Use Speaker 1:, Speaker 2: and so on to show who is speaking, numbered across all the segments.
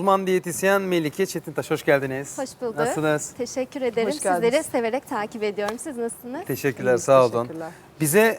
Speaker 1: uzman diyetisyen Melike Çetintaş, hoş geldiniz.
Speaker 2: Hoş bulduk.
Speaker 1: Nasılsınız?
Speaker 2: Teşekkür ederim.
Speaker 3: Hoş geldiniz.
Speaker 2: Sizleri severek takip ediyorum. Siz nasılsınız?
Speaker 1: Teşekkürler,
Speaker 3: İyiyiz,
Speaker 1: sağ olun.
Speaker 3: teşekkürler.
Speaker 1: Bize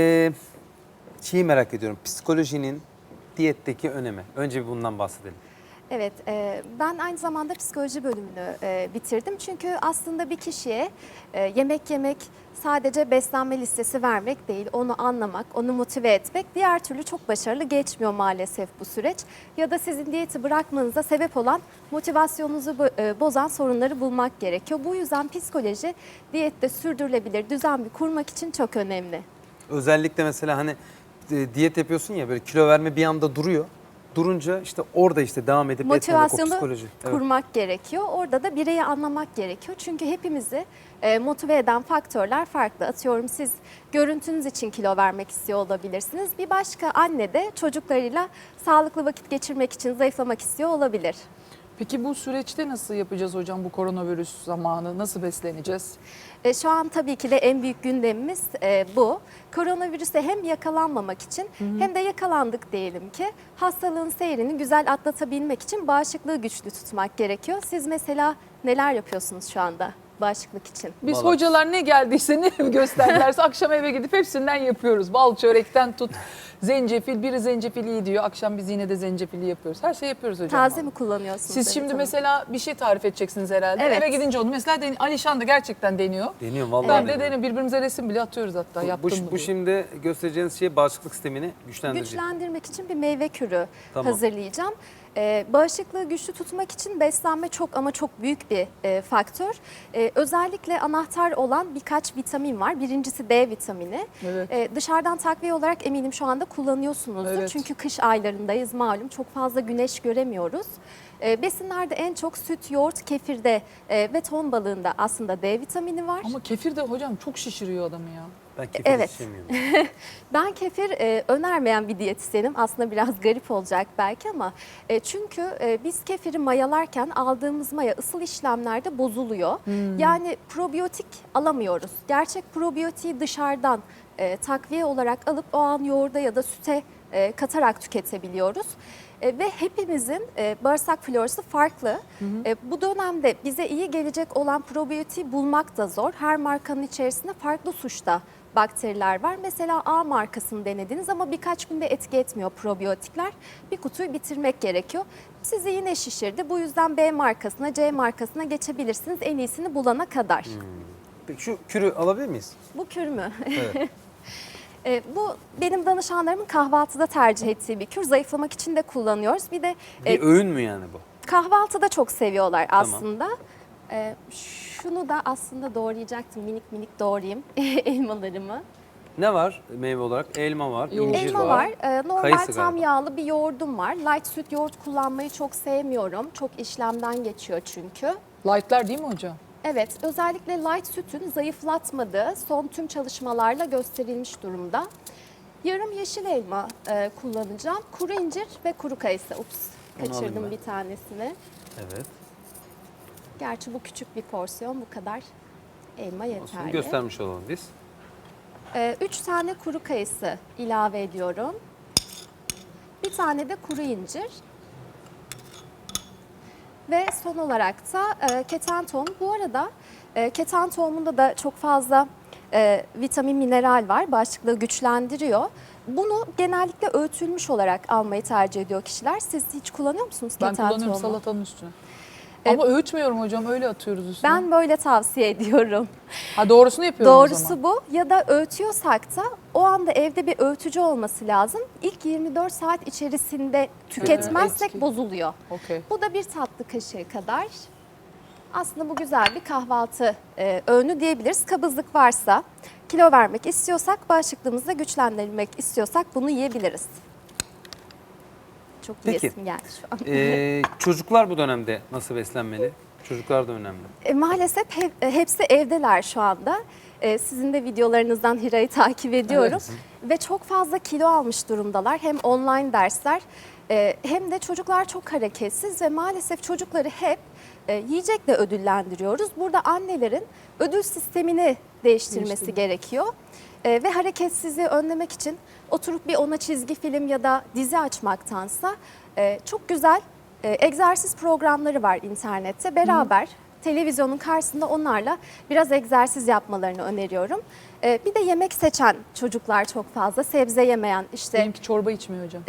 Speaker 1: şeyi merak ediyorum, psikolojinin diyetteki önemi. Önce bir bundan bahsedelim.
Speaker 2: Evet, ben aynı zamanda psikoloji bölümünü bitirdim. Çünkü aslında bir kişiye yemek yemek sadece beslenme listesi vermek değil, onu anlamak, onu motive etmek diğer türlü çok başarılı geçmiyor maalesef bu süreç. Ya da sizin diyeti bırakmanıza sebep olan motivasyonunuzu bozan sorunları bulmak gerekiyor. Bu yüzden psikoloji diyette sürdürülebilir düzen bir kurmak için çok önemli.
Speaker 1: Özellikle mesela hani diyet yapıyorsun ya, böyle kilo verme bir anda duruyor. Durunca işte orada işte devam edip etmemek, o
Speaker 2: Motivasyonu
Speaker 1: psikoloji. Evet.
Speaker 2: kurmak gerekiyor. Orada da bireyi anlamak gerekiyor. Çünkü hepimizi motive eden faktörler farklı. Atıyorum, siz görüntünüz için kilo vermek istiyor olabilirsiniz. Bir başka anne de çocuklarıyla sağlıklı vakit geçirmek için zayıflamak istiyor olabilir.
Speaker 3: Peki bu süreçte nasıl yapacağız hocam, bu koronavirüs zamanı nasıl besleneceğiz?
Speaker 2: Şu an tabii ki de en büyük gündemimiz bu. Koronavirüse hem yakalanmamak için hem de yakalandık diyelim ki hastalığın seyrini güzel atlatabilmek için bağışıklığı güçlü tutmak gerekiyor. Siz mesela neler yapıyorsunuz şu anda bağışıklık için?
Speaker 3: Biz
Speaker 1: Vallahi.
Speaker 3: hocalar ne geldiyse, ne gösterdilerse akşam eve gidip hepsinden yapıyoruz. Bal çörekten tut, zencefil, biri zencefil iyi diyor. Akşam biz yine de zencefili yapıyoruz. Her şey yapıyoruz hocam.
Speaker 2: Taze mi kullanıyorsunuz?
Speaker 3: Siz şimdi
Speaker 2: Evet,
Speaker 3: mesela bir şey tarif edeceksiniz herhalde.
Speaker 2: Evet.
Speaker 3: Eve gidince onu mesela Alişan da gerçekten deniyor.
Speaker 1: Deniyorum vallahi.
Speaker 3: Ben de
Speaker 1: deniyorum.
Speaker 3: deniyorum. Birbirimize resim bile atıyoruz hatta. Yaptım mı
Speaker 1: Bu
Speaker 3: diye.
Speaker 1: şimdi göstereceğiniz şey bağışıklık sistemini güçlendirecek.
Speaker 2: güçlendirmek için bir meyve kürü
Speaker 1: Tamam.
Speaker 2: hazırlayacağım. Bağışıklığı güçlü tutmak için beslenme çok ama çok büyük bir faktör. Özellikle anahtar olan birkaç vitamin var. Birincisi D vitamini.
Speaker 3: Evet.
Speaker 2: Dışarıdan takviye olarak eminim şu anda kullanıyorsunuzdur.
Speaker 3: Evet.
Speaker 2: Çünkü kış aylarındayız malum. Çok fazla güneş göremiyoruz. Besinlerde en çok süt, yoğurt, kefirde ve ton balığında aslında D vitamini var.
Speaker 3: Ama kefir de hocam çok şişiriyor adamı ya.
Speaker 1: Ben kefir
Speaker 2: Evet.
Speaker 1: içemiyorum.
Speaker 2: Ben kefir önermeyen bir diyetisyenim. Aslında biraz garip olacak belki ama çünkü biz kefiri mayalarken aldığımız maya ısıl işlemlerde bozuluyor. Yani probiyotik alamıyoruz. Gerçek probiyotiği dışarıdan takviye olarak alıp o an yoğurda ya da süte katarak tüketebiliyoruz. Ve hepimizin bağırsak florası farklı. Bu dönemde bize iyi gelecek olan probiyotiği bulmak da zor. Her markanın içerisinde farklı suçta bakteriler var. Mesela A markasını denediniz ama birkaç günde etki etmiyor probiyotikler. Bir kutuyu bitirmek gerekiyor. Sizi yine şişirdi. Bu yüzden B markasına, C markasına geçebilirsiniz en iyisini bulana kadar.
Speaker 1: Peki şu kürü alabilir miyiz?
Speaker 2: Bu kür mü?
Speaker 1: Evet.
Speaker 2: Bu benim danışanlarımın kahvaltıda tercih ettiği bir kür. Zayıflamak için de kullanıyoruz. Bir de
Speaker 1: Bir öğün mü yani bu?
Speaker 2: kahvaltıda çok seviyorlar
Speaker 1: Tamam.
Speaker 2: aslında. Şunu da aslında doğrayacaktım. Minik minik doğrayayım elmalarımı.
Speaker 1: Ne var meyve olarak? Elma var,
Speaker 3: Yoğurt.
Speaker 1: incir
Speaker 2: Elma
Speaker 1: var.
Speaker 2: var. Normal
Speaker 1: Kayısı
Speaker 2: tam
Speaker 1: galiba.
Speaker 2: yağlı bir yoğurdum var. Light süt yoğurt kullanmayı çok sevmiyorum. Çok işlemden geçiyor çünkü.
Speaker 3: Light'lar değil mi hocam?
Speaker 2: Evet, özellikle light sütün zayıflatmadığı son tüm çalışmalarla gösterilmiş durumda. Yarım yeşil elma kullanacağım. Kuru incir ve kuru kayısı. Ups,
Speaker 1: Onu alayım
Speaker 2: kaçırdım
Speaker 1: ben.
Speaker 2: bir tanesini.
Speaker 1: Evet.
Speaker 2: Gerçi bu küçük bir porsiyon, bu kadar elma
Speaker 1: Olsun,
Speaker 2: yeterli.
Speaker 1: göstermiş olalım biz.
Speaker 2: 3 tane kuru kayısı ilave ediyorum. Bir tane de kuru incir. Ve son olarak da keten tohum. Bu arada keten tohumunda da çok fazla vitamin, mineral var. Bağışıklığı güçlendiriyor. Bunu genellikle öğütülmüş olarak almayı tercih ediyor kişiler. Siz hiç kullanıyor musunuz
Speaker 3: Ben
Speaker 2: keten
Speaker 3: kullanıyorum
Speaker 2: tohumu?
Speaker 3: salatanın üstüne. Ama öğütmüyorum hocam, öyle atıyoruz üstüne.
Speaker 2: Ben böyle tavsiye ediyorum.
Speaker 3: Ha, doğrusunu yapıyorum o
Speaker 2: Doğrusu
Speaker 3: zaman.
Speaker 2: bu. Ya da öğütüyorsak da o anda evde bir öğütücü olması lazım. İlk 24 saat içerisinde tüketmezsek
Speaker 3: etki.
Speaker 2: bozuluyor.
Speaker 3: Okey.
Speaker 2: Bu da bir tatlı kaşığı kadar. Aslında bu güzel bir kahvaltı öğünü diyebiliriz. Kabızlık varsa, kilo vermek istiyorsak, bağışıklığımızı da güçlendirmek istiyorsak bunu yiyebiliriz. Çok
Speaker 1: Peki.
Speaker 2: yiyesim geldi şu an.
Speaker 1: Çocuklar bu dönemde nasıl beslenmeli? Çocuklar da önemli.
Speaker 2: Maalesef hepsi evdeler şu anda. Sizin de videolarınızdan Hira'yı takip ediyorum. Ve çok fazla kilo almış durumdalar. Hem online dersler hem de çocuklar çok hareketsiz ve maalesef çocukları hep yiyecekle ödüllendiriyoruz. Burada annelerin ödül sistemini değiştirmesi gerekiyor. Ve hareketsizliği önlemek için oturup bir ona çizgi film ya da dizi açmaktansa çok güzel Egzersiz programları var internette. Beraber televizyonun karşısında onlarla biraz egzersiz yapmalarını öneriyorum. Bir de yemek seçen çocuklar çok fazla. Sebze yemeyen işte.
Speaker 3: Benimki çorba içmiyor hocam.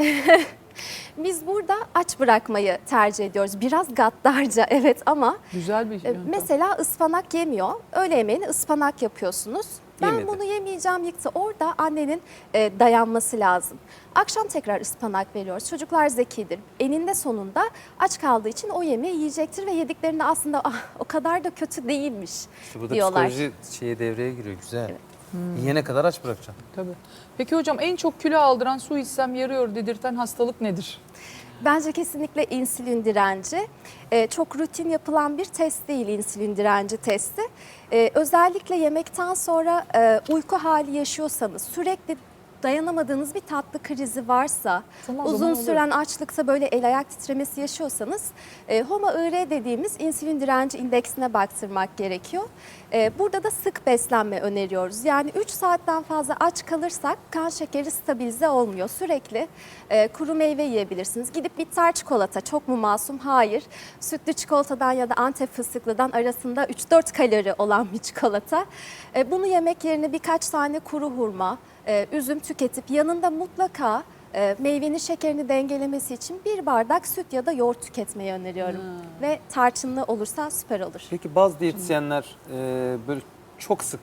Speaker 2: Biz burada aç bırakmayı tercih ediyoruz. Biraz gaddarca evet ama
Speaker 3: Güzel bir yöntem.
Speaker 2: mesela ıspanak yemiyor. Öğle yemeğini ıspanak yapıyorsunuz. Ben
Speaker 1: Yemedi.
Speaker 2: bunu yemeyeceğim yıktı. Orada annenin dayanması lazım. Akşam tekrar ıspanak veriyoruz. Çocuklar zekidir. Eninde sonunda aç kaldığı için o yemeği yiyecektir ve yediklerinde aslında o kadar da kötü değilmiş
Speaker 1: İşte burada
Speaker 2: diyorlar.
Speaker 1: psikoloji devreye giriyor. Güzel. Yiyene kadar aç bırakacaksın.
Speaker 3: Tabii. Peki hocam en çok kilo aldıran, su içsem yarıyor dedirten hastalık nedir?
Speaker 2: Bence kesinlikle insülin direnci. Çok rutin yapılan bir test değil insülin direnci testi. Özellikle yemekten sonra uyku hali yaşıyorsanız, sürekli dayanamadığınız bir tatlı krizi varsa,
Speaker 3: Zaman
Speaker 2: uzun
Speaker 3: zaman
Speaker 2: süren açlıkta böyle el ayak titremesi yaşıyorsanız HOMA-IR dediğimiz insülin direnci indeksine baktırmak gerekiyor. Burada da sık beslenme öneriyoruz. Yani 3 saatten fazla aç kalırsak kan şekeri stabilize olmuyor. Sürekli kuru meyve yiyebilirsiniz. Gidip bitter çikolata çok mu masum? Hayır. Sütlü çikolatadan ya da Antep fıstıklıdan arasında 3-4 kalori olan bir çikolata. Bunu yemek yerine birkaç tane kuru hurma, üzüm tüketip yanında mutlaka meyvenin şekerini dengelemesi için bir bardak süt ya da yoğurt tüketmeyi öneriyorum. Ve tarçınlı olursa süper olur.
Speaker 1: Peki bazı diyetisyenler böyle çok sık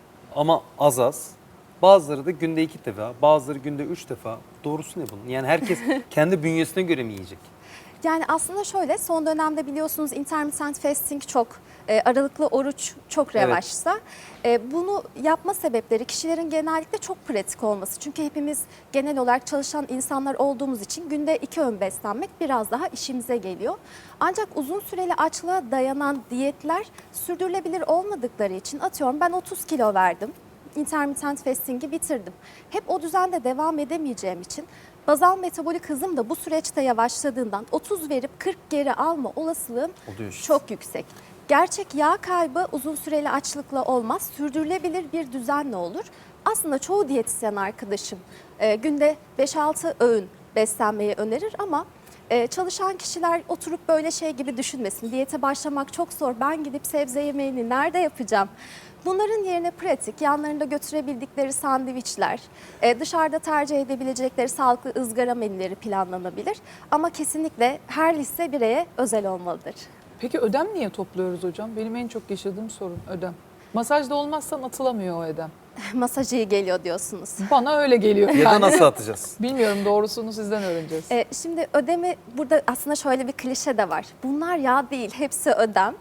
Speaker 1: ama az. Bazıları da günde 2 defa, bazıları günde 3 defa. Doğrusu ne bunun? Yani herkes kendi bünyesine göre mi yiyecek?
Speaker 2: Yani aslında şöyle son dönemde biliyorsunuz intermittent fasting çok aralıklı oruç çok revaçta. Bunu yapma sebepleri kişilerin genellikle çok pratik olması. Çünkü hepimiz genel olarak çalışan insanlar olduğumuz için günde 2 öğün beslenmek biraz daha işimize geliyor. Ancak uzun süreli açlığa dayanan diyetler sürdürülebilir olmadıkları için atıyorum ben 30 kilo verdim. Intermittent fasting'i bitirdim. Hep o düzende devam edemeyeceğim için bazal metabolik hızım da bu süreçte yavaşladığından 30 verip 40 geri alma olasılığım
Speaker 1: Oluyor işte.
Speaker 2: çok yüksek. Gerçek yağ kaybı uzun süreli açlıkla olmaz, sürdürülebilir bir düzenle olur. Aslında çoğu diyetisyen arkadaşım günde 5-6 öğün beslenmeyi önerir ama çalışan kişiler oturup böyle şey gibi düşünmesin. Diyete başlamak çok zor, ben gidip sebze yemeğini nerede yapacağım? Bunların yerine pratik, yanlarında götürebildikleri sandviçler, dışarıda tercih edebilecekleri sağlıklı ızgara menüleri planlanabilir. Ama kesinlikle her liste bireye özel olmalıdır.
Speaker 3: Peki ödem niye topluyoruz hocam? Benim en çok yaşadığım sorun ödem. Masajda olmazsan atılamıyor o ödem.
Speaker 2: Masaj iyi geliyor diyorsunuz.
Speaker 3: Bana öyle geliyor.
Speaker 1: Ya da nasıl atacağız?
Speaker 3: Bilmiyorum, doğrusunu sizden öğreneceğiz.
Speaker 2: Şimdi ödemi burada aslında şöyle bir klişe de var. Bunlar yağ değil, hepsi ödem.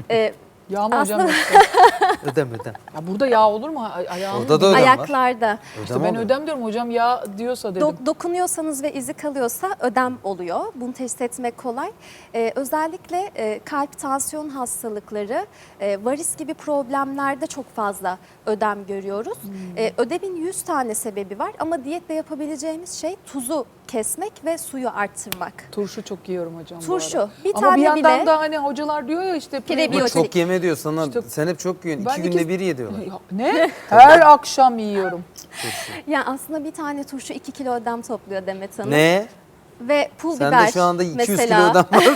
Speaker 3: Yağ mı hocam?
Speaker 2: aslında-
Speaker 1: Ödem.
Speaker 3: Ya burada yağ olur mu? Ayağın
Speaker 1: Orada da ödem var.
Speaker 2: Ayaklarda.
Speaker 3: İşte ben ödem diyorum hocam, yağ diyorsa dedim.
Speaker 2: Dokunuyorsanız ve izi kalıyorsa ödem oluyor. Bunu teşhis etmek kolay. Özellikle kalp tansiyon hastalıkları, varis gibi problemlerde çok fazla ödem görüyoruz. Ödemin 100 tane sebebi var ama diyetle yapabileceğimiz şey tuzu kesmek ve suyu arttırmak.
Speaker 3: Turşu çok yiyorum hocam bu
Speaker 2: Turşu.
Speaker 3: arada.
Speaker 2: Bir
Speaker 3: Ama
Speaker 2: tane
Speaker 3: bir yandan
Speaker 2: bile
Speaker 3: da hani hocalar diyor ya işte
Speaker 2: Prebiyotik.
Speaker 1: Ama çok yeme diyor sana.
Speaker 3: İşte-
Speaker 1: Sen hep çok yiyorsun.
Speaker 3: Ben
Speaker 1: 2 günde
Speaker 3: iki-
Speaker 1: 1 ye diyorlar.
Speaker 3: Ya ne? Her akşam yiyorum.
Speaker 2: yani aslında bir tane turşu 2 kilo ödem topluyor Demet Hanım.
Speaker 1: Ne?
Speaker 2: Ve pul
Speaker 1: Sende
Speaker 2: biber
Speaker 1: şu anda 200
Speaker 2: mesela.
Speaker 1: kilo ödem var.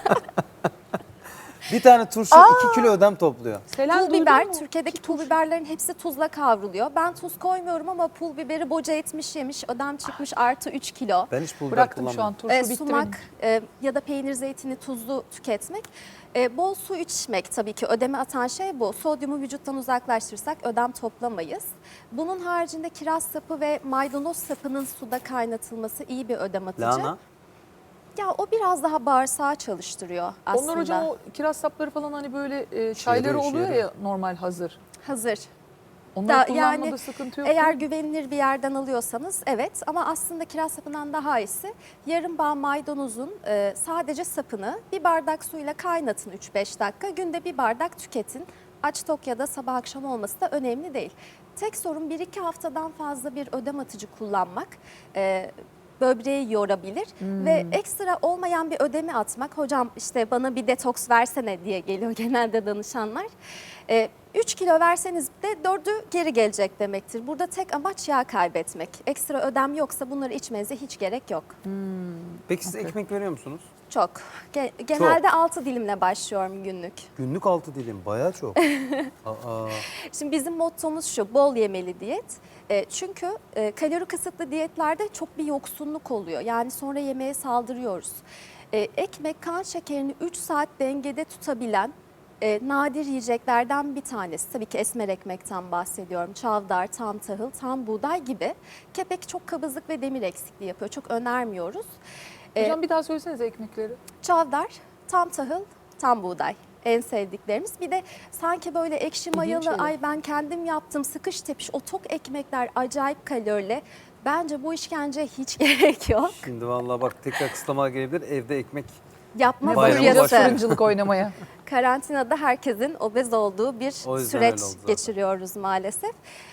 Speaker 1: Bir tane turşu 2 kilo ödem topluyor.
Speaker 3: Selen
Speaker 2: Pul
Speaker 3: duydun
Speaker 2: biber,
Speaker 3: mu?
Speaker 2: Türkiye'deki pul biberlerin hepsi tuzla kavruluyor. Ben tuz koymuyorum ama pul biberi boca etmiş yemiş, ödem çıkmış artı 3 kilo.
Speaker 1: Ben hiç pul biber
Speaker 3: Bıraktım şu an,
Speaker 1: kullanmıyorum.
Speaker 3: turşu bitti
Speaker 2: Sumak ya da peynir zeytini tuzlu tüketmek. Bol su içmek tabii ki ödemi atan şey bu. Sodyumu vücuttan uzaklaştırırsak ödem toplamayız. Bunun haricinde kiraz sapı ve maydanoz sapının suda kaynatılması iyi bir ödem atıcı.
Speaker 1: Lahana.
Speaker 2: Ya o biraz daha bağırsağı çalıştırıyor aslında.
Speaker 3: Onlar hocam o kiraz sapları falan hani böyle çayları
Speaker 1: yarıyor, işe
Speaker 3: oluyor ya
Speaker 1: yarıyor.
Speaker 3: normal hazır.
Speaker 2: Hazır.
Speaker 3: Onları kullanmada
Speaker 2: yani
Speaker 3: sıkıntı yok.
Speaker 2: eğer
Speaker 3: değil mi?
Speaker 2: güvenilir bir yerden alıyorsanız evet ama aslında kiraz sapından daha iyisi yarım bağ maydanozun sadece sapını bir bardak suyla kaynatın 3-5 dakika. Günde bir bardak tüketin. Aç tok ya da sabah akşam olması da önemli değil. Tek sorun 1-2 haftadan fazla bir ödem atıcı kullanmak. Böbreği yorabilir ve ekstra olmayan bir ödemi atmak. Hocam işte bana bir detoks versene diye geliyor genelde danışanlar. 3 kilo verseniz de 4'ü geri gelecek demektir. Burada tek amaç yağ kaybetmek. Ekstra ödem yoksa bunları içmenize hiç gerek yok.
Speaker 1: Peki siz ekmek veriyor musunuz?
Speaker 2: Çok. Genelde 6 dilimle başlıyorum günlük.
Speaker 1: Günlük 6 dilim bayağı çok. Aa,
Speaker 2: Şimdi bizim mottomuz şu, bol yemeli diyet. Çünkü kalori kısıtlı diyetlerde çok bir yoksunluk oluyor. Yani sonra yemeğe saldırıyoruz. Ekmek kan şekerini 3 saat dengede tutabilen nadir yiyeceklerden bir tanesi. Tabii ki esmer ekmekten bahsediyorum. Çavdar, tam tahıl, tam buğday gibi. Kepek çok kabızlık ve demir eksikliği yapıyor. Çok önermiyoruz.
Speaker 3: Hocam bir daha söylesenize ekmekleri.
Speaker 2: Çavdar, tam tahıl, tam buğday. En sevdiklerimiz. Bir de sanki böyle ekşi mayalı,
Speaker 3: şeyler.
Speaker 2: ay ben kendim yaptım sıkış tepiş o tok ekmekler acayip kalorili. Bence bu işkence hiç gerek yok.
Speaker 1: şimdi vallahi bak tekrar kısıtlama gelebilir. Evde ekmek
Speaker 2: Yapma
Speaker 1: Bayramı
Speaker 3: Bayılacağız
Speaker 1: başladı.
Speaker 3: fırıncılık oynamaya.
Speaker 2: Karantinada herkesin obez olduğu bir
Speaker 1: O yüzden
Speaker 2: süreç
Speaker 1: öyle oldu zaten.
Speaker 2: geçiriyoruz maalesef.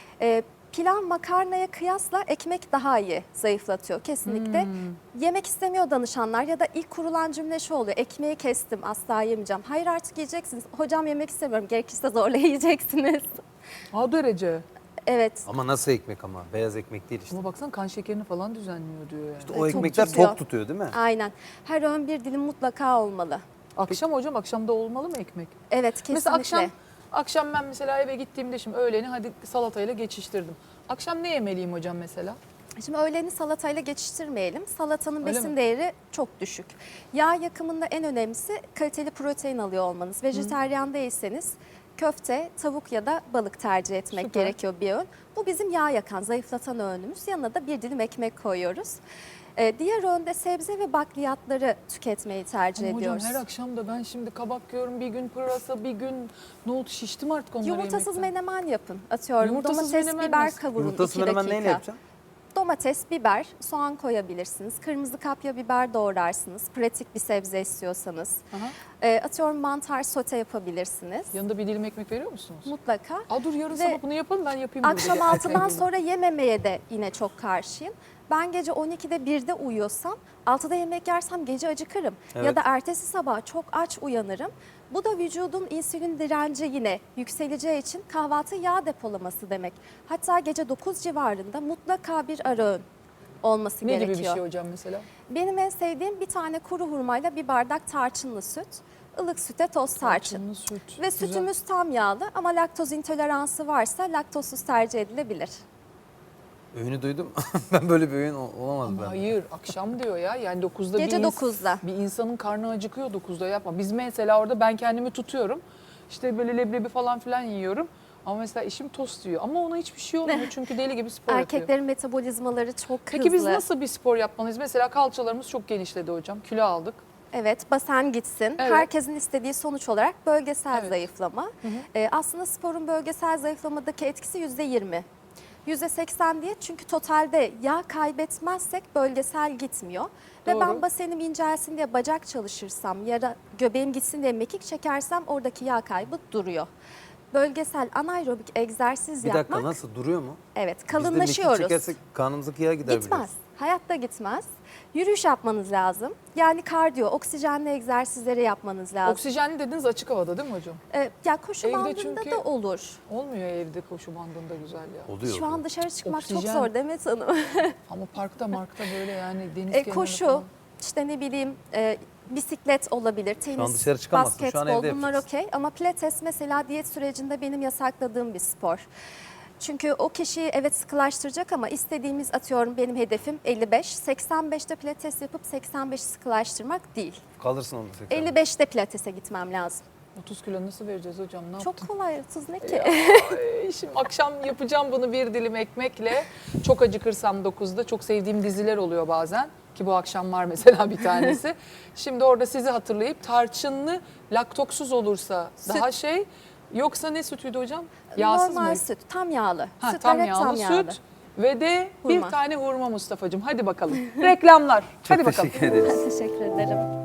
Speaker 2: Pilav makarnaya kıyasla ekmek daha iyi zayıflatıyor kesinlikle. Yemek istemiyor danışanlar ya da ilk kurulan cümle şu oluyor. Ekmeği kestim asla yemeyeceğim. Hayır artık yiyeceksiniz. Hocam yemek istemiyorum. Gerekirse zorla yiyeceksiniz.
Speaker 3: O derece.
Speaker 2: Evet.
Speaker 1: ama nasıl ekmek ama? Beyaz ekmek değil işte.
Speaker 3: Ama baksana kan şekerini falan düzenliyor diyor yani.
Speaker 1: İşte o
Speaker 2: tok
Speaker 1: ekmekler
Speaker 2: tutuyor.
Speaker 1: tok tutuyor değil mi?
Speaker 2: Aynen. Her öğün bir dilim mutlaka olmalı.
Speaker 3: Akşam hocam akşamda olmalı mı ekmek?
Speaker 2: Evet kesinlikle.
Speaker 3: Mesela akşam ben mesela eve gittiğimde şimdi öğleni hadi salatayla geçiştirdim. Akşam ne yemeliyim hocam mesela?
Speaker 2: Şimdi öğleni salatayla geçiştirmeyelim. Salatanın
Speaker 3: Öyle
Speaker 2: besin
Speaker 3: mi?
Speaker 2: değeri çok düşük. Yağ yakımında en önemlisi kaliteli protein alıyor olmanız. Vejeteryan değilseniz köfte, tavuk ya da balık tercih etmek
Speaker 3: Süper.
Speaker 2: gerekiyor bir öğün. Bu bizim yağ yakan, zayıflatan öğünümüz. Yanına da bir dilim ekmek koyuyoruz. Diğer öğünde sebze ve bakliyatları tüketmeyi tercih
Speaker 3: Ama hocam
Speaker 2: ediyoruz.
Speaker 3: her akşam da ben şimdi kabak yiyorum, bir gün pırasa, bir gün nohut, şiştim artık onları
Speaker 2: Yumurtasız
Speaker 3: yemekten.
Speaker 2: menemen yapın. Atıyorum
Speaker 3: Yumurtasız
Speaker 2: domates,
Speaker 3: menemen
Speaker 2: biber
Speaker 3: nasıl?
Speaker 2: kavurun
Speaker 1: Yumurtasız
Speaker 2: 2
Speaker 1: menemen
Speaker 2: dakika.
Speaker 1: neyle yapacaksın?
Speaker 2: Domates, biber, soğan koyabilirsiniz. Kırmızı kapya biber doğrarsınız. Pratik bir sebze istiyorsanız.
Speaker 3: Aha.
Speaker 2: Atıyorum mantar sote yapabilirsiniz.
Speaker 3: Yanında bir dilim ekmek veriyor musunuz?
Speaker 2: Mutlaka.
Speaker 3: Aa dur yarın
Speaker 2: Ve
Speaker 3: sabah bunu yapalım ben yapayım.
Speaker 2: Akşam
Speaker 3: burada.
Speaker 2: 6'dan sonra yememeye de yine çok karşıyım. Ben gece 12'de 1'de uyuyorsam 6'da yemek yersem gece acıkırım. Ya
Speaker 1: Evet.
Speaker 2: da ertesi sabah çok aç uyanırım. Bu da vücudun insülin direnci yine yükseleceği için kahvaltı yağ depolaması demek. Hatta gece 9 civarında mutlaka bir ara öğün olması
Speaker 3: Ne
Speaker 2: gerekiyor.
Speaker 3: gibi bir şey hocam mesela?
Speaker 2: Benim en sevdiğim bir tane kuru hurmayla bir bardak tarçınlı süt, ılık süte toz tarçın.
Speaker 3: Tarçınlı süt.
Speaker 2: Ve
Speaker 3: Güzel.
Speaker 2: sütümüz tam yağlı ama laktoz intoleransı varsa laktozsuz tercih edilebilir.
Speaker 1: Öğünü duydum. Ben böyle bir öğün olamaz
Speaker 3: Ama
Speaker 1: ben.
Speaker 3: hayır akşam diyor ya yani 9'da
Speaker 2: Gece
Speaker 3: bir
Speaker 2: 9'da.
Speaker 3: Bir insanın karnı acıkıyor 9'da yapma. Biz mesela orada ben kendimi tutuyorum. İşte böyle leblebi falan filan yiyorum. Ama mesela eşim tost yiyor. Ama ona hiçbir şey olmuyor çünkü deli gibi spor yapıyor.
Speaker 2: Erkeklerin metabolizmaları çok hızlı.
Speaker 3: Peki biz nasıl bir spor yapmalıyız? Mesela kalçalarımız çok genişledi hocam. Kilo aldık.
Speaker 2: Evet, basen gitsin.
Speaker 3: Evet.
Speaker 2: Herkesin istediği sonuç olarak bölgesel
Speaker 3: Evet.
Speaker 2: zayıflama. Aslında sporun bölgesel zayıflamadaki etkisi %20. %80 diye çünkü totalde yağ kaybetmezsek bölgesel gitmiyor. Ve
Speaker 3: Doğru.
Speaker 2: ben basenim incelsin diye bacak çalışırsam ya da göbeğim gitsin diye mekik çekersem oradaki yağ kaybı duruyor. Bölgesel anaerobik egzersiz
Speaker 1: Bir
Speaker 2: yapmak,
Speaker 1: dakika nasıl duruyor mu?
Speaker 2: evet
Speaker 1: Biz de
Speaker 2: kalınlaşıyoruz.
Speaker 1: mekik çekersek karnımızdaki yağ gider
Speaker 2: Gitmez.
Speaker 1: biliyorsun.
Speaker 2: Hayatta gitmez. Yürüyüş yapmanız lazım. Yani kardiyo, oksijenli egzersizleri yapmanız lazım.
Speaker 3: Oksijenli dediniz açık havada değil mi hocam?
Speaker 2: Ya koşu
Speaker 3: Evde
Speaker 2: bandında
Speaker 3: çünkü-
Speaker 2: da olur.
Speaker 3: Olmuyor evde koşu bandında güzel ya.
Speaker 1: Oluyor.
Speaker 2: Şu an dışarı çıkmak çok
Speaker 3: Oksijen.
Speaker 2: zor Demet Hanım.
Speaker 3: Ama parkta böyle yani deniz kenarı
Speaker 2: Koşu,
Speaker 3: falan.
Speaker 2: işte ne bileyim bisiklet olabilir, tenis,
Speaker 1: dışarı çıkamazsın. Şu an
Speaker 2: basketbol
Speaker 1: evde
Speaker 2: bunlar
Speaker 1: yapacaksın.
Speaker 2: okey. Ama pilates mesela diyet sürecinde benim yasakladığım bir spor. Çünkü o kişiyi evet sıkılaştıracak ama istediğimiz atıyorum benim hedefim 55. 85'te pilates yapıp 85 sıkılaştırmak değil.
Speaker 1: Kalırsın onda tekrar.
Speaker 2: 55'te pilatese gitmem lazım.
Speaker 3: 30 kilo nasıl vereceğiz hocam? Ne
Speaker 2: Çok
Speaker 3: yaptın?
Speaker 2: kolay 30 ne ki?
Speaker 3: Ya, şimdi akşam yapacağım bunu bir dilim ekmekle. Çok acıkırsam 9'da çok sevdiğim diziler oluyor bazen. Ki bu akşam var mesela bir tanesi. Şimdi orada sizi hatırlayıp tarçınlı laktoksuz olursa daha şey. Yoksa ne sütüydü hocam? Yağsız
Speaker 2: Normal
Speaker 3: mı?
Speaker 2: süt, tam yağlı.
Speaker 3: Ha,
Speaker 2: Sütler
Speaker 3: tam
Speaker 2: hep
Speaker 3: yağlı
Speaker 2: tam yağlı.
Speaker 3: süt ve de
Speaker 2: Hurma.
Speaker 3: bir tane hurma Mustafa'cığım. Hadi bakalım. Reklamlar.
Speaker 1: Çok
Speaker 3: Hadi bakalım.
Speaker 1: teşekkür ederiz.
Speaker 2: Teşekkür ederim.